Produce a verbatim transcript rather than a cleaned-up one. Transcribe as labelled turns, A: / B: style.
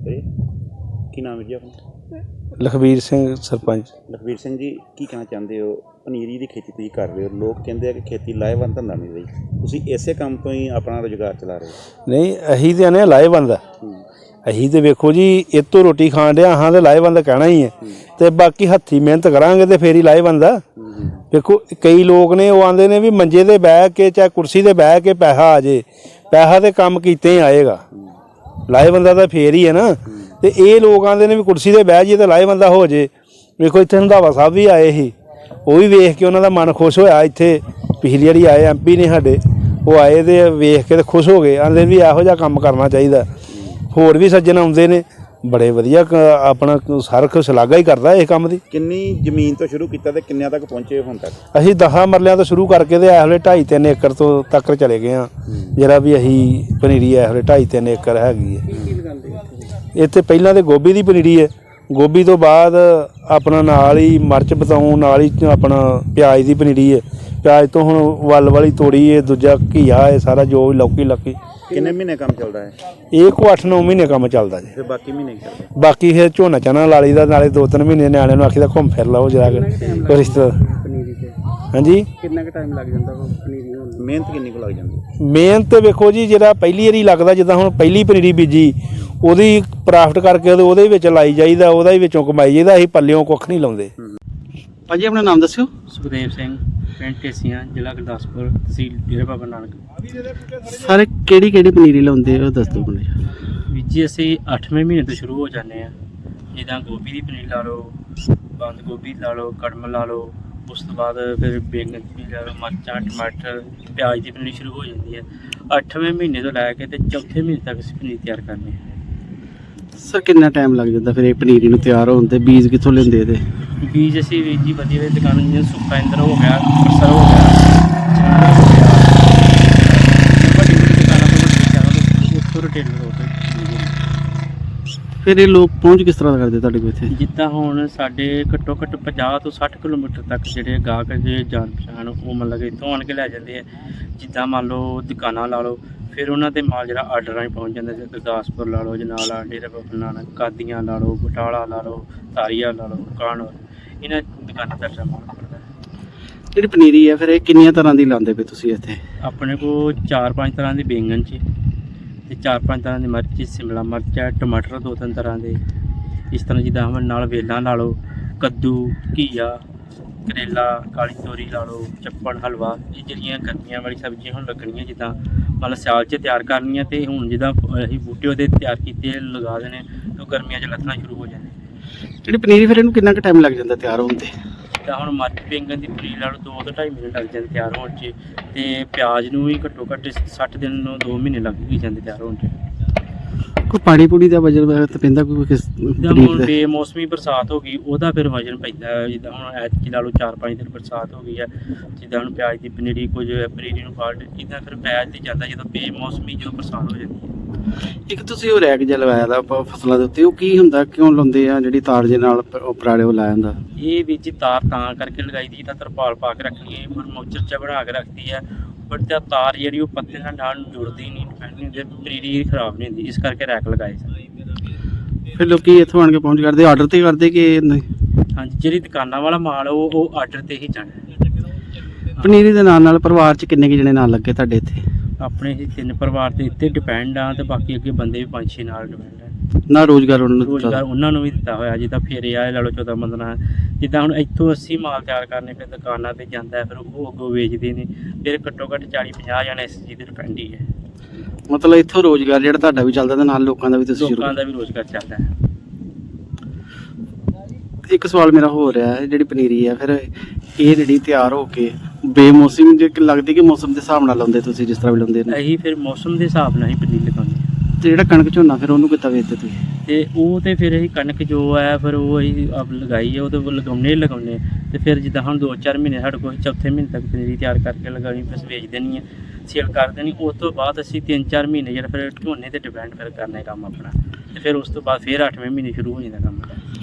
A: ਕੀ ਨਾਮ ਹੈ ਜੀ ਆਪਣਾ?
B: ਲਖਬੀਰ ਸਿੰਘ ਸਰਪੰਚ।
A: ਲਖਬੀਰ ਸਿੰਘ ਜੀ, ਕੀ ਕਹਿਣਾ ਚਾਹੁੰਦੇ ਹੋ? ਪਨੀਰੀ ਦੀ ਖੇਤੀ ਤੁਸੀਂ ਕਰ ਰਹੇ ਹੋ, ਲੋਕ ਕਹਿੰਦੇ ਆ ਕਿ ਖੇਤੀ ਲਾਹੇਵੰਦ ਧੰਦਾ ਨਹੀਂ ਰਹੀ, ਤੁਸੀਂ ਇਸੇ ਕੰਮ ਤੋਂ ਹੀ ਆਪਣਾ ਰੁਜ਼ਗਾਰ ਚਲਾ ਰਹੇ ਹੋ?
B: ਨਹੀਂ, ਅਸੀਂ ਤਾਂ ਆਨੇ ਲਾਹੇਵੰਦ ਆ। ਅਸੀਂ ਤਾਂ ਵੇਖੋ ਜੀ ਇਹ ਤੋਂ ਰੋਟੀ ਖਾਣ ਡਿਆ ਹਾਂ ਤਾਂ ਲਾਹੇਵੰਦ ਕਹਿਣਾ ਹੀ ਹੈ, ਅਤੇ ਬਾਕੀ ਹੱਥੀਂ ਮਿਹਨਤ ਕਰਾਂਗੇ ਤਾਂ ਫੇਰ ਹੀ ਲਾਹੇਵੰਦ ਆ। ਵੇਖੋ ਕਈ ਲੋਕ ਨੇ ਉਹ ਆਉਂਦੇ ਨੇ ਵੀ ਮੰਜੇ 'ਤੇ ਬਹਿ ਕੇ ਚਾਹੇ ਕੁਰਸੀ 'ਤੇ ਬਹਿ ਕੇ ਪੈਸਾ ਆ ਜੇ, ਪੈਸਾ ਤਾਂ ਕੰਮ ਕੀਤੇ ਹੀ ਆਏਗਾ, ਲਾਹੇਵੰਦਾ ਤਾਂ ਫੇਰ ਹੀ ਹੈ ਨਾ। ਅਤੇ ਇਹ ਲੋਕ ਆਉਂਦੇ ਨੇ ਵੀ ਕੁਰਸੀ 'ਤੇ ਬਹਿ ਜਾਈਏ ਤਾਂ ਲਾਹੇਵੰਦਾ ਹੋ ਜੇ। ਵੇਖੋ ਇੱਥੇ ਰੰਧਾਵਾ ਸਾਹਿਬ ਵੀ ਆਏ ਸੀ, ਉਹ ਵੀ ਵੇਖ ਕੇ ਉਹਨਾਂ ਦਾ ਮਨ ਖੁਸ਼ ਹੋਇਆ। ਇੱਥੇ ਪਿਛਲੀ ਵਾਰੀ ਆਏ ਐਮ ਪੀ ਨੇ ਸਾਡੇ, ਉਹ ਆਏ ਤੇ ਵੇਖ ਕੇ ਤੇ ਖੁਸ਼ ਹੋ ਗਏ, ਆਂਦੇ ਵੀ ਇਹੋ ਜਿਹਾ ਕੰਮ ਕਰਨਾ ਚਾਹੀਦਾ। ਹੋਰ ਵੀ ਸੱਜਣ ਆਉਂਦੇ ਨੇ, ਬੜੇ ਵਧੀਆ ਆਪਣਾ ਸਰਖ ਸ਼ਲਾਘਾ ਹੀ ਕਰਦਾ ਇਸ ਕੰਮ ਦੀ।
A: ਕਿੰਨੀ ਜ਼ਮੀਨ ਤੋਂ ਸ਼ੁਰੂ ਕੀਤਾ ਤੇ ਕਿੰਨਿਆਂ ਤੱਕ ਪਹੁੰਚੇ ਹੁਣ ਤੱਕ?
B: ਅਸੀਂ ਦਸਾਂ ਮਰਲਿਆਂ ਤੋਂ ਸ਼ੁਰੂ ਕਰਕੇ ਤੇ ਇਸ ਵੇਲੇ ਢਾਈ ਤਿੰਨ ਏਕੜ ਤੋਂ ਤੱਕ ਚਲੇ ਗਏ ਹਾਂ। ਜਿਹੜਾ ਵੀ ਅਸੀਂ ਪਨੀਰੀ ਇਸ ਵੇਲੇ ਢਾਈ ਤਿੰਨ ਏਕੜ ਹੈਗੀ ਹੈ। ਇੱਥੇ ਪਹਿਲਾਂ ਤਾਂ ਗੋਭੀ ਦੀ ਪਨੀਰੀ ਹੈ, ਗੋਭੀ ਤੋਂ ਬਾਅਦ ਆਪਣਾ ਨਾਲ ਹੀ ਮਿਰਚ ਬਤਾਊਂ, ਨਾਲ ਹੀ ਆਪਣਾ ਪਿਆਜ਼ ਦੀ ਪਨੀਰੀ ਹੈ। ਪਿਆਜ਼ ਤੋਂ ਹੁਣ ਵੱਲ ਵਾਲੀ ਤੋੜੀ ਹੈ, ਦੂਜਾ ਘੀਆ ਹੈ, ਸਾਰਾ ਜੋ ਵੀ ਲੌਕੀ ਲੱਕੀ।
A: ਕਿੰਨੇ ਮਹੀਨੇ ਕੰਮ ਚੱਲਦਾ ਹੈ
B: ਇਹ? ਕੋ ਅੱਠ ਨੌ ਮਹੀਨੇ ਕੰਮ ਚੱਲਦਾ ਜੀ।
A: ਫਿਰ ਬਾਕੀ ਮਹੀਨੇ ਕੀ ਕਰਦੇ?
B: ਬਾਕੀ ਫਿਰ ਝੋਨਾ ਚਾਨਾ ਲਾ ਲਈ ਦਾ, ਨਾਲੇ ਦੋ ਤਿੰਨ ਮਹੀਨੇ ਨਿਆਣਿਆਂ ਨੂੰ ਆਖੀਦਾ ਘੁੰਮ ਫਿਰ ਲਓ ਜਰਾ ਕੋਈ ਰਿਸ਼ਤਾ।
A: ਪਨੀਰੀ ਤੇ
B: ਹਾਂਜੀ,
A: ਕਿੰਨਾ ਕੁ ਟਾਈਮ ਲੱਗ ਜਾਂਦਾ ਪਨੀਰੀ ਹੋਣ? ਮਿਹਨਤ ਕਿੰਨੀ ਕੁ ਲੱਗ ਜਾਂਦੀ?
B: ਮਿਹਨਤ ਵੇਖੋ ਜੀ, ਜਿਹੜਾ ਪਹਿਲੀ ਵਾਰੀ ਲੱਗਦਾ, ਜਿੱਦਾਂ ਹੁਣ ਪਹਿਲੀ ਪਨੀਰੀ ਬੀਜੀ ਉਹਦੀ ਪ੍ਰਾਫਟ ਕਰਕੇ ਉਹਦੇ ਵਿੱਚ ਲਾਈ ਜਾਈਦਾ, ਉਹਦਾ ਹੀ ਵਿੱਚੋਂ ਕਮਾਈ ਜਾਈਦਾ। ਅਸੀਂ ਪੱਲਿਓਂ ਕੁੱਖ ਨਹੀਂ ਲਾਉਂਦੇ।
C: ਭਾਜੀ ਆਪਣਾ ਨਾਮ ਦੱਸਿਓ।
D: ਸੁਖਦੇਵ ਸਿੰਘ, ਪਿੰਡ ਢੇਸੀਆਂ, ਜ਼ਿਲ੍ਹਾ ਗੁਰਦਾਸਪੁਰ, ਤਹਿਸੀਲ ਡੇਰਾ ਬਾਬਾ ਨਾਨਕ।
C: ਸਾਰੇ ਕਿਹੜੀ ਕਿਹੜੀ ਪਨੀਰੀ ਲਾਉਂਦੇ ਉਹ ਦੱਸ ਦਿਓ ਮੈਨੂੰ।
D: ਵੀਰ ਜੀ ਅਸੀਂ ਅੱਠਵੇਂ ਮਹੀਨੇ ਤੋਂ ਸ਼ੁਰੂ ਹੋ ਜਾਂਦੇ ਹਾਂ। ਜਿੱਦਾਂ ਗੋਭੀ ਦੀ ਪਨੀਰੀ ਲਾ ਲਓ, ਬੰਦ ਗੋਭੀ ਲਾ ਲਓ, ਕੜਮ ਲਾ ਲਓ, ਉਸ ਤੋਂ ਬਾਅਦ ਫਿਰ ਬੈਂਗਣ ਦੀ ਪਨੀਰੀ ਲਾ ਲਓ, ਮਿਰਚਾਂ, ਟਮਾਟਰ, ਪਿਆਜ਼ ਦੀ ਪਨੀਰੀ ਸ਼ੁਰੂ ਹੋ ਜਾਂਦੀ ਹੈ। ਅੱਠਵੇਂ ਮਹੀਨੇ ਤੋਂ ਲੈ ਕੇ ਤੇ ਚੌਥੇ ਮਹੀਨੇ ਤੱਕ ਅਸੀਂ ਪਨੀਰੀ ਤਿਆਰ ਕਰਨੀ ਹੈ।
C: ਸਰ ਕਿੰਨਾ ਟਾਈਮ ਲੱਗ ਜਾਂਦਾ ਫਿਰ ਇਹ ਪਨੀਰੀ ਨੂੰ ਤਿਆਰ ਹੋਣ ਤੇ? ਬੀਜ ਕਿੱਥੋਂ ਲੈਂਦੇ ਇਹਦੇ?
D: ਬੀਜ ਅਸੀਂ ਵੀਰ ਜੀ ਵਧੀਆ ਵਧੀਆ ਦੁਕਾਨਾਂ ਜਿਵੇਂ ਸੁੱਕਾ ਇੰਦਰ ਹੋ ਗਿਆ, ਅੰਮ੍ਰਿਤਸਰ ਹੋ ਗਿਆ, ਵੱਡੀ ਵੱਡੀ ਦੁਕਾਨਾਂ ਤੋਂ ਵੱਡੀ ਉੱਥੋਂ ਰਿਟੇਲਰ ਹੋ ਕੇ।
C: ਫਿਰ ਇਹ ਲੋਕ ਪਹੁੰਚ ਕਿਸ ਤਰ੍ਹਾਂ ਕਰਦੇ ਤੁਹਾਡੇ ਕੋਲ ਇੱਥੇ?
D: ਜਿੱਦਾਂ ਹੁਣ ਸਾਡੇ ਘੱਟੋ ਘੱਟ ਪੰਜਾਹ ਤੋਂ ਸੱਠ ਕਿਲੋਮੀਟਰ ਤੱਕ ਜਿਹੜੇ ਗਾਹਕ ਜੇ ਜਾਣ ਪਛਾਣ ਉਹ ਮਤਲਬ ਕਿ ਇੱਥੋਂ ਆਣ ਕੇ ਲੈ ਜਾਂਦੇ ਆ। ਜਿੱਦਾਂ ਮੰਨ ਲਓ ਦੁਕਾਨਾਂ ਲਾ ਲਓ, ਫਿਰ ਉਹਨਾਂ ਦੇ ਮਾਲ ਜਿਹੜਾ ਆਰਡਰ ਰਾਹੀਂ ਪਹੁੰਚ ਜਾਂਦਾ। ਜਿਵੇਂ ਗੁਰਦਾਸਪੁਰ ਲਾ ਲਓ, ਜਨਾਲਾ, ਡੇਰਾ ਬਾਬਾ ਨਾਨਕ, ਕਾਦੀਆਂ ਲਾ ਲਓ, ਬਟਾਲਾ ਲਾ ਲਓ, ਤਾਰੀਆ ਲਾ ਲਓ, ਕਾਨੌਰ, ਇਹਨਾਂ ਦੁਕਾਨਾਂ ਦਾ ਮਾਲ ਪੜਦਾ।
C: ਜਿਹੜੀ ਪਨੀਰੀ ਹੈ ਫਿਰ ਇਹ ਕਿੰਨੀਆਂ ਤਰ੍ਹਾਂ ਦੀ ਲਾਉਂਦੇ ਪਏ ਤੁਸੀਂ ਇੱਥੇ?
D: ਆਪਣੇ ਕੋਲ ਚਾਰ ਪੰਜ ਤਰ੍ਹਾਂ ਦੇ ਬੈਂਗਣ 'ਚ ਅਤੇ ਚਾਰ ਪੰਜ ਤਰ੍ਹਾਂ ਦੀ ਮਿਰਚ, ਸ਼ਿਮਲਾ ਮਿਰਚ ਹੈ, ਟਮਾਟਰ ਦੋ ਤਿੰਨ ਤਰ੍ਹਾਂ ਦੇ। ਇਸ ਤਰ੍ਹਾਂ ਜਿੱਦਾਂ ਹੁਣ ਨਾਲ ਵੇਲਾਂ ਲਾ ਲਓ, ਕੱਦੂ, ਘੀਆ, ਕਰੇਲਾ, ਕਾਲੀ ਤੋਰੀ ਲਾ ਲਓ, ਚੱਪਣ, ਹਲਵਾ। ਇਹ ਜਿਹੜੀਆਂ ਗਰਮੀਆਂ ਵਾਲੀ ਸਬਜ਼ੀਆਂ ਹੁਣ ਲੱਗਣੀਆਂ, ਜਿੱਦਾਂ ਮਤਲਬ ਸਿਆਲ 'ਚ ਤਿਆਰ ਕਰਨੀਆਂ, ਅਤੇ ਹੁਣ ਜਿੱਦਾਂ ਅਸੀਂ ਬੂਟੇ ਉਹਦੇ ਤਿਆਰ ਕੀਤੇ ਲਗਾ ਦੇਣੇ, ਉਹ ਗਰਮੀਆਂ 'ਚ ਲੱਥਣਾ ਸ਼ੁਰੂ ਹੋ ਜਾਂਦੇ।
C: ਜਿਹੜੀ ਪਨੀਰੀ ਫਿਰ ਇਹਨੂੰ ਕਿੰਨਾ ਕੁ ਟਾਈਮ ਲੱਗ ਜਾਂਦਾ ਤਿਆਰ ਹੋਣ ਤੇ?
D: ਜਿੱਦਾਂ ਹੁਣ ਮਿਰਚ ਬੈਂਗਣ ਦੀ ਪਨੀਰੀ ਲਾ ਲਓ, ਦੋ ਤੋਂ ਢਾਈ ਮਹੀਨੇ ਲੱਗ ਜਾਂਦੇ ਤਿਆਰ ਹੋਣ 'ਚ, ਅਤੇ ਪਿਆਜ਼ ਨੂੰ ਵੀ ਘੱਟੋ ਘੱਟ ਸੱਠ ਦਿਨ ਨੂੰ ਦੋ ਮਹੀਨੇ ਲੱਗ ਹੀ ਜਾਂਦੇ ਤਿਆਰ ਹੋਣ 'ਚ।
C: ਕੋਈ ਪਾਣੀ ਪੂਣੀ ਦਾ ਵਜਨ ਤਾਂ ਪੈਂਦਾ ਕੋਈ ਕਿਸ?
D: ਜਿੱਦਾਂ ਹੁਣ ਬੇਮੌਸਮੀ ਬਰਸਾਤ ਹੋ ਗਈ, ਉਹਦਾ ਫਿਰ ਵਜਨ ਪੈਂਦਾ। ਜਿੱਦਾਂ ਹੁਣ ਐਤਕੀ ਲਾ ਲਓ ਚਾਰ ਪੰਜ ਦਿਨ ਬਰਸਾਤ ਹੋ ਗਈ ਹੈ, ਜਿੱਦਾਂ ਹੁਣ ਪਿਆਜ਼ ਦੀ ਪਨੀਰੀ, ਕੁਝ ਪਨੀਰੀ ਨੂੰ ਫਾਲਟ, ਇੱਦਾਂ ਫਿਰ ਪਿਆਜ਼ 'ਤੇ ਜਾਂਦਾ ਜਦੋਂ ਬੇਮੌਸਮੀ ਜਦੋਂ ਬਰਸਾਤ ਹੋ ਜਾਂਦੀ ਹੈ।
C: ਇੱਕ ਤੁਸੀਂ ਉਹ ਰੈਕ ਜਿਹਾ ਲਗਾਇਆ ਦਾ ਫਸਲਾਂ ਦੇ ਉੱਤੇ, ਉਹ ਕੀ ਹੁੰਦਾ, ਕਿਉਂ ਲਾਉਂਦੇ ਆ? ਜਿਹੜੀ ਤਾਰ ਜੇ ਨਾਲ ਉਪਰਾਲੇ ਉਹ ਲਾਇਆ ਹੁੰਦਾ?
D: ਇਹ ਵਿੱਚ ਜੀ ਤਾਰ ਤਾਂ ਕਰਕੇ ਲਗਾਈ ਦੀ, ਤਾਂ ਤਰਪਾਲ ਪਾ ਕੇ ਰੱਖਣੀ ਹੈ, ਪਰ ਮੋਚਰ 'ਚ ਬਣਾ ਕੇ ਰੱਖਦੀ ਹੈ। ਬਟ ਤਾਂ ਤਾਰ ਜਿਹੜੀ ਉਹ ਪੱਤੇ ਨਾਲ ਨਾਲ ਜੁੜਦੀ ਨਹੀਂ, ਡਿਪੈਂਡ ਨਹੀਂ ਹੁੰਦੀ, ਪਨੀਰੀ ਖਰਾਬ ਨਹੀਂ ਹੁੰਦੀ, ਇਸ ਕਰਕੇ ਰੈਕ ਲਗਾਏ ਸੀ।
C: ਫਿਰ ਲੋਕੀ ਇੱਥੋਂ ਆਣ ਕੇ ਪਹੁੰਚ ਕਰਦੇ, ਆਰਡਰ 'ਤੇ ਕਰਦੇ ਕਿ ਨਹੀਂ?
D: ਹਾਂਜੀ, ਜਿਹੜੀ ਦੁਕਾਨਾਂ ਵਾਲਾ ਮਾਲ ਉਹ ਉਹ ਆਰਡਰ 'ਤੇ ਹੀ ਜਾਣਾ।
C: ਪਨੀਰੀ ਦੇ ਨਾਲ ਨਾਲ ਪਰਿਵਾਰ 'ਚ ਕਿੰਨੇ ਕੁ ਜਣੇ ਨਾਲ ਲੱਗੇ ਤੁਹਾਡੇ ਇੱਥੇ?
D: ਆਪਣੇ ਹੀ ਤਿੰਨ ਪਰਿਵਾਰ 'ਤੇ ਇੱਥੇ ਡਿਪੈਂਡ ਆ, ਅਤੇ ਬਾਕੀ ਅੱਗੇ ਬੰਦੇ ਵੀ ਪੰਜ ਛੇ ਨਾਲ ਡਿਪੈਂਡ ਆ।
C: ਨਾ ਰੋਜ਼ਗਾਰ ਉਹਨਾਂ ਨੂੰ
D: ਰੋਜ਼ਗਾਰ ਉਹਨਾਂ ਨੂੰ ਵੀ ਦਿੱਤਾ ਹੋਇਆ। ਜਿੱਦਾਂ ਫੇਰੇ ਆਏ ਲਾ ਲਓ ਚੌਦਾਂ ਪੰਦਰਾਂ, ਜਿੱਦਾਂ ਹੁਣ ਇੱਥੋਂ ਅਸੀਂ ਮਾਲ ਤਿਆਰ ਕਰਨੇ, ਫਿਰ ਦੁਕਾਨਾਂ 'ਤੇ ਜਾਂਦਾ, ਫਿਰ ਉਹ ਅੱਗੋਂ ਵੇਚਦੇ ਨੇ, ਫਿਰ ਘੱਟੋ ਘੱਟ ਚਾਲੀ ਪੰਜਾਹ ਜਣੇ ਇਸ ਚੀਜ਼ 'ਤੇ ਡਿਪੈਂਡ ਹੀ ਹੈ।
C: ਮਤਲਬ ਇੱਥੋਂ ਰੋਜ਼ਗਾਰ ਜਿਹੜਾ ਤੁਹਾਡਾ ਵੀ ਚੱਲਦਾ, ਤੇ ਨਾਲ ਲੋਕਾਂ ਦਾ ਵੀ ਤੁਸੀਂ ਸ਼ੁਰੂ?
D: ਲੋਕਾਂ ਦਾ ਵੀ ਰੋਜ਼ਗਾਰ ਚੱਲਦਾ ਹੈ।
C: ਇੱਕ ਸਵਾਲ ਮੇਰਾ ਹੋ ਰਿਹਾ ਹੈ, ਜਿਹੜੀ ਪਨੀਰੀ ਹੈ ਫਿਰ ਇਹ ਜਿਹੜੀ ਤਿਆਰ ਹੋ ਕੇ ਬੇਮੌਸਮ ਜੇ ਲੱਗਦੀ ਕਿ ਮੌਸਮ ਦੇ ਹਿਸਾਬ ਨਾਲ ਲਾਉਂਦੇ ਤੁਸੀਂ, ਜਿਸ ਤਰ੍ਹਾਂ ਵੀ ਲਾਉਂਦੇ ਨੇ?
D: ਅਸੀਂ ਫਿਰ ਮੌਸਮ ਦੇ ਹਿਸਾਬ ਨਾਲ ਹੀ ਪਨੀਰੀ ਲਗਾਉਂਦੇ ਹਾਂ।
C: ਤੇ ਜਿਹੜਾ ਕਣਕ ਝੋਨਾ ਫਿਰ ਉਹਨੂੰ ਕਿੱਦਾਂ ਵੇਚਦੇ ਤੁਸੀਂ?
D: ਅਤੇ ਉਹ ਤਾਂ ਫਿਰ ਅਸੀਂ ਕਣਕ ਜੋ ਹੈ ਫਿਰ ਉਹ ਅਸੀਂ ਆਪ ਲਗਾਈ ਹੈ, ਉਹ ਤਾਂ ਲਗਾਉਣੇ ਹੀ ਲਗਾਉਣੇ। ਅਤੇ ਫਿਰ ਜਿੱਦਾਂ ਹੁਣ ਦੋ ਚਾਰ ਮਹੀਨੇ ਸਾਡੇ ਕੋਲ ਚੌਥੇ ਮਹੀਨੇ ਤੱਕ ਪਨੀਰੀ ਤਿਆਰ ਕਰਕੇ ਲਗਾਉਣੀ, ਫਿਰ ਵੇਚ ਦੇਣੀ ਹੈ, ਸੇਲ ਕਰ ਦੇਣੀ। ਉਸ ਤੋਂ ਬਾਅਦ ਅਸੀਂ ਤਿੰਨ ਚਾਰ ਮਹੀਨੇ ਜਿਹੜਾ ਫਿਰ ਝੋਨੇ 'ਤੇ ਡਿਪੈਂਡ ਫਿਰ ਕਰਨਾ ਕੰਮ ਆਪਣਾ, ਅਤੇ ਫਿਰ ਉਸ ਤੋਂ ਬਾਅਦ ਫਿਰ ਅੱਠਵੇਂ ਮਹੀਨੇ ਸ਼ੁਰੂ ਹੋ ਜਾਂਦਾ ਕੰਮ।